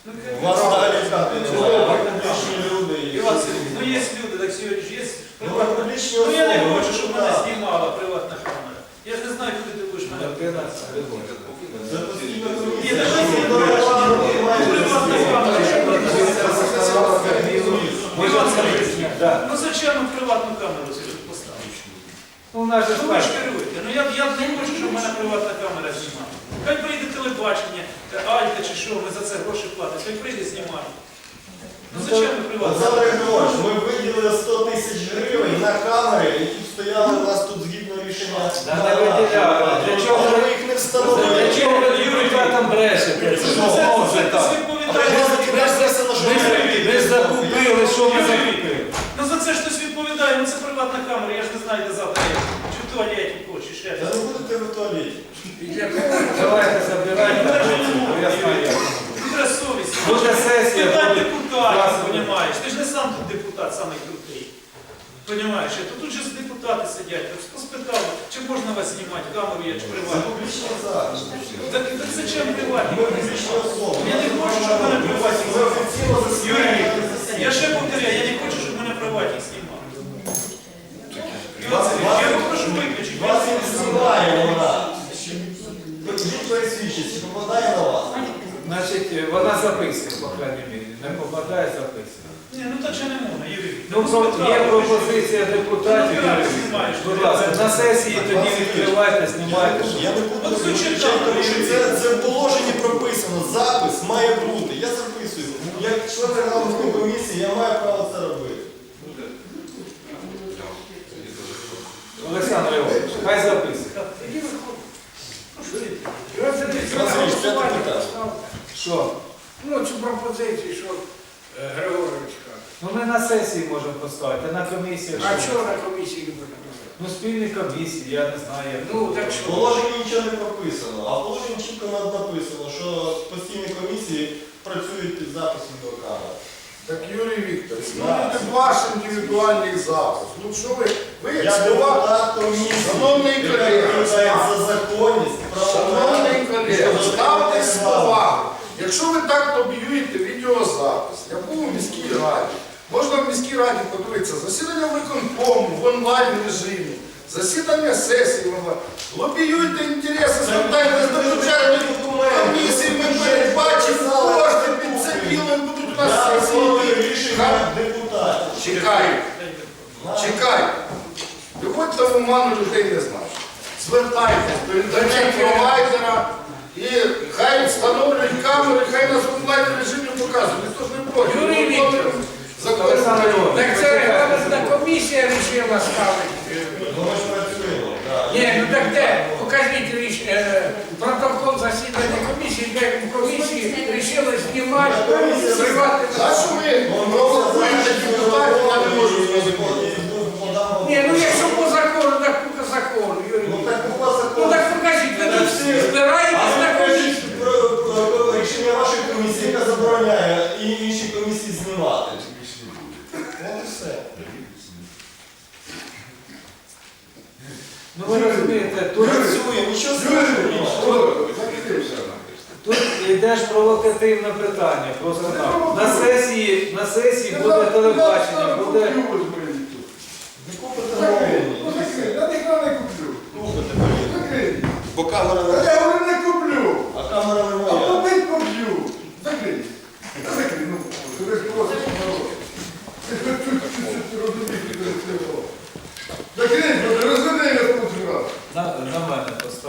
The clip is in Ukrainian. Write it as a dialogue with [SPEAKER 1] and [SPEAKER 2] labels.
[SPEAKER 1] У вас взагалі хати немає, ви публічні люди.
[SPEAKER 2] Іван Сергійович, ну є люди, так сьогодні ж є.
[SPEAKER 1] Ну, ви публічні
[SPEAKER 2] Ну я не
[SPEAKER 1] особи,
[SPEAKER 2] хочу,
[SPEAKER 1] ви
[SPEAKER 2] щоб
[SPEAKER 1] ж
[SPEAKER 2] мене
[SPEAKER 1] так.
[SPEAKER 2] знімала приватна камера. Я ж не знаю, куди ти будеш мене.
[SPEAKER 1] Це постійно
[SPEAKER 2] Ні,
[SPEAKER 1] комісія.
[SPEAKER 2] давай
[SPEAKER 1] що
[SPEAKER 2] знімемо.
[SPEAKER 1] ви маєте
[SPEAKER 2] Приватна камера. Іван Сергійович, ну зачем ми приватну камеру поставити?
[SPEAKER 3] Ну, у нас же
[SPEAKER 2] Ну ви ж керуєте. Ну я не хочу, щоб в мене приватна камера знімала. Хай прийде телебачення, Альта чи що, ми за це гроші платимо. Хай прийде знімати. Ну зачем ми приватна
[SPEAKER 1] Олександр
[SPEAKER 2] камера?
[SPEAKER 1] Григорович, ми виділили 100 тисяч гривень на камери, які стояли у нас тут згідно рішення.
[SPEAKER 3] Да, не виділяли. Для чого
[SPEAKER 1] Але
[SPEAKER 3] ви-
[SPEAKER 1] ви їх не встановили.
[SPEAKER 3] Для чого ви депутатам брешете? Це ж може так. Ми ж закупили, що ми закупили?
[SPEAKER 2] Ну за це ж хтось відповідає, ну це приватна камера, я ж не знаю, де завтра є. Чи в туалеті хочеш, чи ще
[SPEAKER 1] Та
[SPEAKER 2] десь.
[SPEAKER 1] не будете ви в туалеті.
[SPEAKER 3] Давайте забираємо. Я знаю.
[SPEAKER 2] Буде совість.
[SPEAKER 3] Буде сесія,
[SPEAKER 2] Питань
[SPEAKER 3] буде
[SPEAKER 2] депутатів,
[SPEAKER 3] красиво.
[SPEAKER 2] розумієш. Ти ж не сам тут депутат, самий крутий. Понімаєш, тут же депутати сидять. Хто спитав, чи можна вас знімати, камеру є, чи
[SPEAKER 1] Це
[SPEAKER 2] приватну?
[SPEAKER 1] публічний захід.
[SPEAKER 2] Так зачем приватні?
[SPEAKER 1] Ми публічні особи.
[SPEAKER 2] Я не хочу, щоб мене приватні
[SPEAKER 1] Ми
[SPEAKER 2] знімали.
[SPEAKER 1] офіційно
[SPEAKER 2] Юрій
[SPEAKER 1] засідаємо.
[SPEAKER 2] Вікторович, я ще повторяю, я не хочу, щоб мене приватні знімали. Іван Сергійович, я попрошу виключити.
[SPEAKER 1] Вас не знімає вона. Покажіть пересвідчість, чи попадає на вас?
[SPEAKER 3] Значить, вона записана, по крайній мірі. Не попадає записана.
[SPEAKER 2] Ні, ну так же не можна, Юрій.
[SPEAKER 3] Ну, є пропозиція депутатів. Юрій Вікторович. Будь ласка, на сесії тоді відкривайте, знімайте.
[SPEAKER 1] Я не буду
[SPEAKER 2] От
[SPEAKER 1] виключати,
[SPEAKER 2] звучить
[SPEAKER 1] тому що
[SPEAKER 2] так.
[SPEAKER 1] це в положенні прописано. Запис має бути. Я записую. Як член регламентної комісії, я маю право це робити.
[SPEAKER 3] Олександр Іванович, хай записує.
[SPEAKER 1] Васильович, п'яте питання.
[SPEAKER 3] Що?
[SPEAKER 4] Ну, цю пропозицію, що Григорович каже.
[SPEAKER 3] Ну ми на сесії можемо поставити, а на комісії.
[SPEAKER 4] А
[SPEAKER 3] що?
[SPEAKER 4] чого на комісії не буде писати?
[SPEAKER 3] Ну спільні комісії, я не знаю. як.
[SPEAKER 4] Ну, так
[SPEAKER 1] В
[SPEAKER 4] що?
[SPEAKER 1] положенні нічого не прописано, а в положенні чітко написано, що постійні комісії працюють під записом до камери.
[SPEAKER 5] Так, Юрій Вікторович, ну
[SPEAKER 1] Да.
[SPEAKER 5] це ваш індивідуальний запис. Ну що ви як
[SPEAKER 1] Я
[SPEAKER 5] слова,
[SPEAKER 1] депутат комісії,
[SPEAKER 5] Шановний
[SPEAKER 1] яка
[SPEAKER 5] колега,
[SPEAKER 1] відповідає за законність,
[SPEAKER 5] шановний колега, ставте
[SPEAKER 1] слова.
[SPEAKER 5] слова. Якщо ви так лобіюєте відеозапис, я був у міській раді. Можна в міській раді подивитися засідання виконкому в онлайн режимі, засідання сесії в онлайн. Лобіюйте інтереси, звертайтесь до бюджетної комісії, ми передбачимо кошти під це діло, будуть у нас сесії.
[SPEAKER 1] Рішення депутатів.
[SPEAKER 5] Чекай. Чекай. Виходьте в оману, людей не знаєш. Звертайтесь до інтернет-провайдера і хай встановлюють камери, хай нас в онлайн режимі показують. Ніхто ж не проти.
[SPEAKER 4] Юрій Вікторович,
[SPEAKER 3] Олександр Іванович,
[SPEAKER 4] так це регламентна комісія вирішила ставити.
[SPEAKER 1] Ну ми ж працюємо. так.
[SPEAKER 4] Ні, ну так де? Покажіть протокол засідання комісії, де в комісії вирішили знімати приватне.
[SPEAKER 5] За що ви провокуєте депутатів, я не можу зрозуміти.
[SPEAKER 4] Ні, ну якщо по закону, так по закону, Юрій
[SPEAKER 1] Ну
[SPEAKER 4] Вікторович.
[SPEAKER 1] так у вас
[SPEAKER 4] Ну
[SPEAKER 1] закон.
[SPEAKER 4] так покажіть, ви тут збираєтесь на комісію.
[SPEAKER 1] Про рішення вашої комісії, яка забороняє і інші комісії знімати. От і все.
[SPEAKER 3] Ну ви розумієте, тут
[SPEAKER 1] Працює, нічого страшного.
[SPEAKER 3] Тут йде ж провокативне питання. Просто на сесії буде телебачення, буде.
[SPEAKER 1] Не купите новини.
[SPEAKER 5] Я ніхто не куплю.
[SPEAKER 1] Купите, повірте. Бо камера не...
[SPEAKER 5] Я говорю, не куплю.
[SPEAKER 1] А камера не
[SPEAKER 5] А
[SPEAKER 1] моя.
[SPEAKER 5] побить поб'ю. Закрий. Закрий, ну, ти ж просиш народ. Закрий, розведи я тут раз.
[SPEAKER 3] На мене поставити.